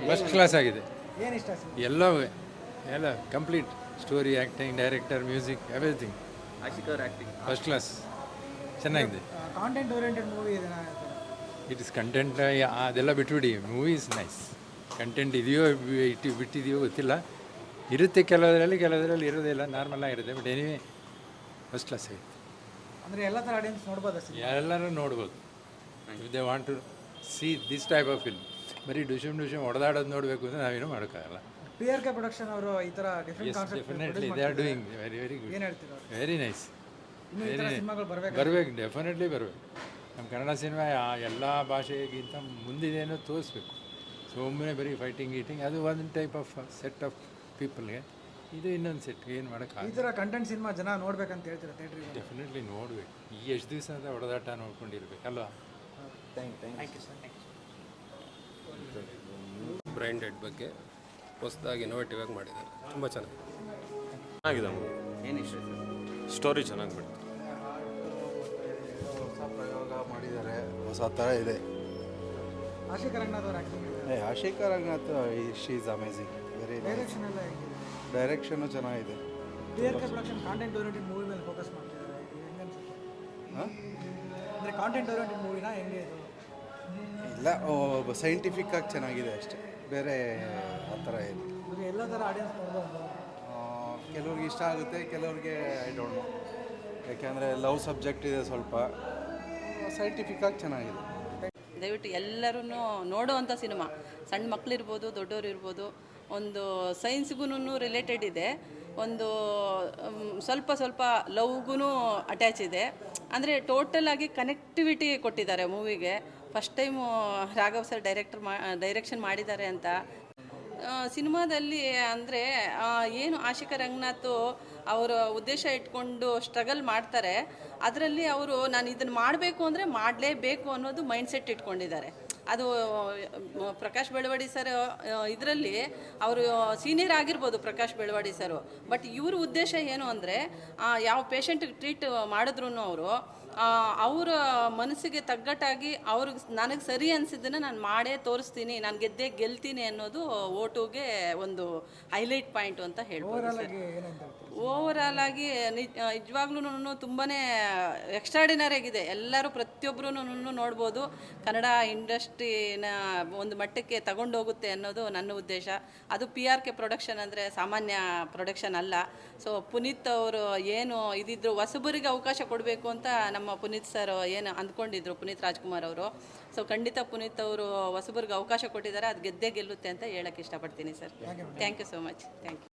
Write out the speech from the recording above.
First class ಆಗಿದೆ. ಏನು ಇಷ್ಟ ಸಿನಿಮಾ? ಎಲ್ಲವೂ ಎಲ್ಲ complete story, acting, director, music, everything Ashik ಅವ್ರ ಆ್ಯಕ್ಟಿಂಗ್ ಫಸ್ಟ್ ಕ್ಲಾಸ್ ಚೆನ್ನಾಗಿದೆ. ಕಾಂಟೆಂಟ್ ಓರಿಯೆಂಟೆಡ್ ಮೂವಿ ಇದೆನಾ? ಇಟ್ ಇಸ್ ಕಂಟೆಂಟ್ ಅದೆಲ್ಲ ಬಿಟ್ಬಿಡಿ. Movie is nice. ಕಂಟೆಂಟ್ ಇದೆಯೋ ಬಿಟ್ಟಿದೆಯೋ ಗೊತ್ತಿಲ್ಲ. ಇರುತ್ತೆ ಕೆಲವರಲ್ಲಿ ಇರೋದಿಲ್ಲ, ನಾರ್ಮಲ್ ಆಗಿರುತ್ತೆ. ಬಟ್ ಎನಿವೇ ಫಸ್ಟ್ ಕ್ಲಾಸ್ ಆಗಿದೆ. ಅಂದರೆ ಎಲ್ಲ ಥರ ಆಡಿಯನ್ಸ್ ನೋಡ್ಬೋದಾ ಸಿನಿಮಾ? ಎಲ್ಲರೂ ನೋಡ್ಬೋದು. If they want to see this type of film. ಬರೀ ಡುಶಮ್ ಹೊಡೆದಾಡೋದು ನೋಡಬೇಕು ಅಂದರೆ ನಾವೇನು ಮಾಡೋಕ್ಕಾಗಲ್ಲ. PRK ಪ್ರೊಡಕ್ಷನ್ ಅವರು ಈ ಥರ different concept definitely they are doing very good. ಏನು ಹೇಳ್ತೀರಾ? Very nice. ಇನ್ನೂ ಈ ಥರ ಸಿನಿಮಾಗಳು ಬರಬೇಕು, ಡೆಫಿನೆಟ್ಲಿ ಬರಬೇಕು. ನಮ್ಮ ಕನ್ನಡ ಸಿನಿಮಾ ಎಲ್ಲ ಭಾಷೆಗಿಂತ ಮುಂದಿದೆ ಅನ್ನೋ ತೋರಿಸ್ಬೇಕು. ಸುಮ್ಮನೆ ಬರೀ ಫೈಟಿಂಗ್ ಗೀಟಿಂಗ್ ಅದು ಒಂದು ಟೈಪ್ ಆಫ್ ಸೆಟ್ ಆಫ್ ಪೀಪಲ್ಗೆ, ಇದು ಇನ್ನೊಂದು ಸೆಟ್ಗೆ ಏನು ಈ ಮಾಡೋಕ್ಕಾಗಲ್ಲ. ಥರ ಕಂಟೆಂಟ್ ಸಿನಿಮಾ ಜನ ನೋಡ್ಬೇಕಂತ ಹೇಳ್ತೀರಾ ಥಿಯೇಟ್ರಿಗೆ? ಡೆಫಿನೆಟ್ಲಿ ನೋಡಬೇಕು. ಈ ಎಷ್ಟು ದಿವಸ ಅಂತ ಹೊಡೆದಾಟ ನೋಡ್ಕೊಂಡಿರ್ಬೇಕಲ್ವಾ. Thank you sir. Brain dead ಬಗ್ಗೆ ಹೊಸದಾಗಿ ಇನೋವೇಟಿವ್ ಆಗಿ ಮಾಡಿದ್ದಾರೆ. ತುಂಬ ಚೆನ್ನಾಗಿದೆ ಮೂವಿ. ಏನು ಇಷ್ಟ ಸರ್? ಸ್ಟೋರಿ ಚೆನ್ನಾಗಿ ಬಿಡ್ತು. ಹೊಸ ಪ್ರಯೋಗ ಮಾಡಿದ್ದಾರೆ, ಹೊಸ ಥರ ಇದೆ. ಆಶಿಕ್ ರಂಗನಾಥ್ ಅವ್ರ acting, Ashika Ranganath she is amazing. Very direction ಎಲ್ಲ ಹೇಗಿದೆ? ಡೈರೆಕ್ಷನು ಚೆನ್ನಾಗಿದೆ. PRK production content oriented movie ಮೇಲೆ ಫೋಕಸ್ ಮಾಡ್ತಿದ್ದಾರೆ. ಇದು ಹೆಂಗೆ ಅನ್ಸುತ್ತೆ? ಅಂದರೆ ಕಾಂಟೆಂಟ್ ಓರಿಯೆಂಟೆಡ್ ಮೂವಿನ ಹೆಂಗೆ ಇದು? ಇಲ್ಲ, ಸೈಂಟಿಫಿಕ್ ಆಗಿ ಚೆನ್ನಾಗಿದೆ ಅಷ್ಟೇ, ಬೇರೆ ಆ ಥರ ಏನು. ಇದು ಎಲ್ಲ ಥರ ಆಡಿಯನ್ಸ್ ನೋಡ್ಬೋದು. ಕೆಲವ್ರಿಗೆ ಇಷ್ಟ ಆಗುತ್ತೆ, ಕೆಲವ್ರಿಗೆ ಐ ಡೋಂಟ್ ನೋ. ಯಾಕೆಂದರೆ ಲವ್ ಸಬ್ಜೆಕ್ಟ್ ಇದೆ, ಸ್ವಲ್ಪ ಸೈಂಟಿಫಿಕ್ ಆಗಿ ಚೆನ್ನಾಗಿದೆ. ದಯವಿಟ್ಟು ಎಲ್ಲರೂ ನೋಡೋವಂಥ ಸಿನಿಮಾ. ಸಣ್ಣ ಮಕ್ಕಳಿರ್ಬೋದು, ದೊಡ್ಡವರು ಇರ್ಬೋದು. ಒಂದು ಸೈನ್ಸ್ಗೂ ರಿಲೇಟೆಡ್ ಇದೆ, ಒಂದು ಸ್ವಲ್ಪ ಲವ್ಗೂ ಅಟ್ಯಾಚ್ ಇದೆ. ಅಂದರೆ ಟೋಟಲ್ ಆಗಿ ಕನೆಕ್ಟಿವಿಟಿ ಕೊಟ್ಟಿದ್ದಾರೆ ಮೂವಿಗೆ. First time Raghav sir direction ಮಾಡಿದ್ದಾರೆ ಅಂತ ಸಿನಿಮಾದಲ್ಲಿ. ಅಂದರೆ ಏನು ಆಶಿಕ ರಂಗನಾಥ್ ಅವರ ಉದ್ದೇಶ ಇಟ್ಕೊಂಡು ಸ್ಟ್ರಗಲ್ ಮಾಡ್ತಾರೆ. ಅದರಲ್ಲಿ ಅವರು ನಾನು ಇದನ್ನು ಮಾಡಬೇಕು ಅಂದರೆ ಮಾಡಲೇಬೇಕು ಅನ್ನೋದು ಮೈಂಡ್ಸೆಟ್ ಇಟ್ಕೊಂಡಿದ್ದಾರೆ. ಅದು ಪ್ರಕಾಶ್ ಬೆಳವಡಿ ಸರ್ ಇದರಲ್ಲಿ ಅವರು ಸೀನಿಯರ್ ಆಗಿರ್ಬೋದು, ಪ್ರಕಾಶ್ ಬೆಳವಡಿ ಸರು. ಬಟ್ ಇವ್ರ ಉದ್ದೇಶ ಏನು ಅಂದರೆ ಯಾವ ಪೇಷಂಟ್ಗೆ ಟ್ರೀಟ್ ಮಾಡಿದ್ರು ಅವರು ಅವರ ಮನಸ್ಸಿಗೆ ತಗ್ಗಟ್ಟಾಗಿ ಅವ್ರಿಗೆ ನನಗೆ ಸರಿ ಅನಿಸಿದ್ದನ್ನು ನಾನು ಮಾಡೇ ತೋರಿಸ್ತೀನಿ, ನಾನು ಗೆಲ್ತೀನಿ ಅನ್ನೋದು ಓಟುಗೆ ಒಂದು ಹೈಲೈಟ್ ಪಾಯಿಂಟು ಅಂತ ಹೇಳ್ಬೋದು ಸರ್. ಓವರಾಲ್ ಆಗಿ ನಿಜವಾಗ್ಲೂ ತುಂಬಾ ಎಕ್ಸ್ಟ್ರಾಡಿನರಿ ಆಗಿದೆ. ಎಲ್ಲರೂ ಪ್ರತಿಯೊಬ್ಬರೂ ನೋಡ್ಬೋದು. ಕನ್ನಡ ಇಂಡಸ್ಟ್ರಿನ ಒಂದು ಮಟ್ಟಕ್ಕೆ ತಗೊಂಡೋಗುತ್ತೆ ಅನ್ನೋದು ನನ್ನ ಉದ್ದೇಶ. ಅದು PRK ಪ್ರೊಡಕ್ಷನ್ ಅಂದರೆ ಸಾಮಾನ್ಯ ಪ್ರೊಡಕ್ಷನ್ ಅಲ್ಲ. ಸೊ ಪುನೀತ್ ಅವರು ಏನು ಇದಿದ್ರು ಹೊಸಬರಿಗೆ ಅವಕಾಶ ಕೊಡಬೇಕು ಅಂತ ನಮ್ಮ ಪುನೀತ್ ಸರ್ ಏನು ಅಂದ್ಕೊಂಡಿದ್ರು, ಪುನೀತ್ ರಾಜ್ಕುಮಾರ್ ಅವರು. ಸೊ ಖಂಡಿತ ಪುನೀತ್ ಅವರು ಹೊಸಬರಿಗೆ ಅವಕಾಶ ಕೊಟ್ಟಿದ್ದಾರೆ, ಅದು ಗೆದ್ದೇ ಗೆಲ್ಲುತ್ತೆ ಅಂತ ಹೇಳಕ್ಕೆ ಇಷ್ಟಪಡ್ತೀನಿ sir. Thank you so much. Thank you.